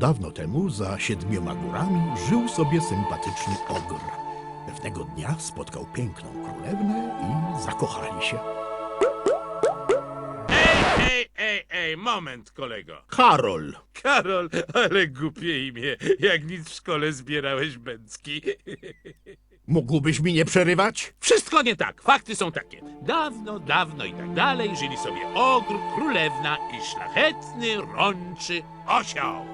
dawno temu za 7 górami żył sobie sympatyczny ogr. Pewnego dnia spotkał piękną królewnę i zakochali się. Ej, moment, kolego. Karol! Karol, ale głupie imię. Jak nic w szkole zbierałeś bęcki. Mógłbyś mi nie przerywać? Wszystko nie tak. Fakty są takie. Dawno i tak dalej żyli sobie ogr, królewna i szlachetny, rączy osioł.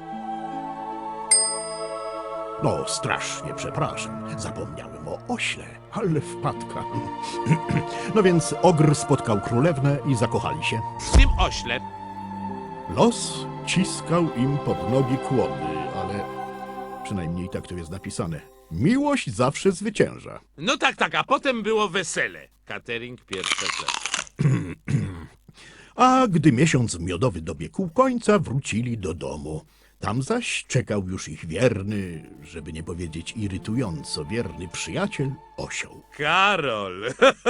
No, strasznie przepraszam. Zapomniałem o ośle, ale wpadka. No więc ogr spotkał królewnę i zakochali się. W tym ośle. Los ciskał im pod nogi kłody, ale przynajmniej tak tu jest napisane. Miłość zawsze zwycięża. No tak, a potem było wesele. Catering pierwsza klasa. A gdy miesiąc miodowy dobiegł końca, wrócili do domu. Tam zaś czekał już ich wierny, żeby nie powiedzieć irytująco wierny przyjaciel, osioł. Karol.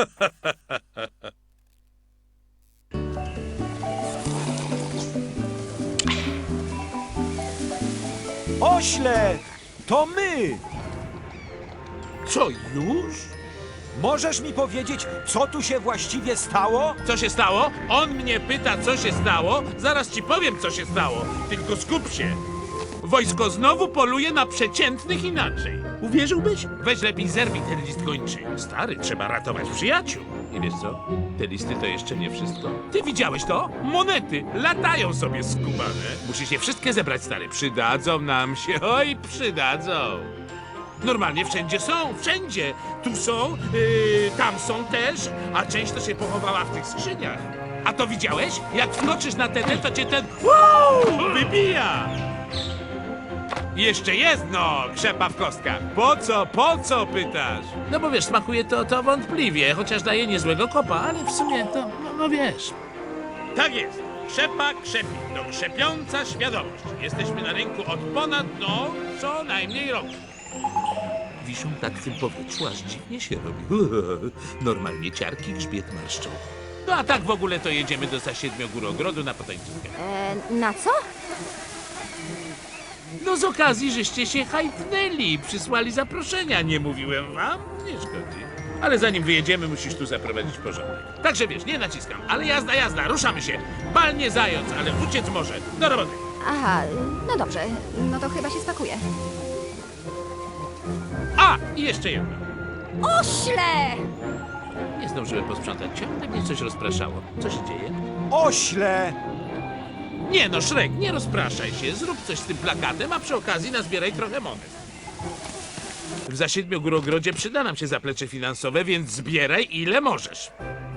Ośle! To my! Co, już? Możesz mi powiedzieć, co tu się właściwie stało? Co się stało? On mnie pyta, co się stało. Zaraz ci powiem, co się stało. Tylko skup się. Wojsko znowu poluje na przeciętnych inaczej. Uwierzyłbyś? Weź lepiej zerwij ten list kończy. Stary, trzeba ratować przyjaciół. I wiesz co? Te listy to jeszcze nie wszystko. Ty widziałeś to? Monety latają sobie skubane. Musisz je wszystkie zebrać, stary. Przydadzą nam się. Oj, przydadzą. Normalnie wszędzie są, wszędzie. Tu są, tam są też, a część to się pochowała w tych skrzyniach. A to widziałeś? Jak wkroczysz na ten, to cię ten wybija. Jeszcze jest, no, krzepa w kostkach. Po co pytasz? No bo wiesz, smakuje to wątpliwie, chociaż daje niezłego kopa, ale w sumie to, no wiesz. Tak jest. Krzepa krzepi, to krzepiąca świadomość. Jesteśmy na rynku od ponad, co najmniej roku. Wiszą tak w tym powietrzu, aż dziwnie się robi. Normalnie ciarki grzbiet marszczą. No a tak w ogóle to jedziemy do Zasiedmiogórogrodu na potańcówkę. Na co? No z okazji, żeście się hajtnęli, przysłali zaproszenia, nie mówiłem wam? Nie szkodzi. Ale zanim wyjedziemy, musisz tu zaprowadzić porządek. Także wiesz, nie naciskam, ale jazda, ruszamy się. Bal nie zając, ale uciec może. Do roboty. Aha, no dobrze. No to chyba się spakuję. A, i jeszcze jedno. Ośle! Nie zdążyłem posprzątać, ciągle mnie coś rozpraszało. Co się dzieje? Ośle! Nie no, Szrek, nie rozpraszaj się. Zrób coś z tym plakatem, a przy okazji nazbieraj trochę monet. W Zasiedmiogórogrodzie przyda nam się zaplecze finansowe, więc zbieraj ile możesz.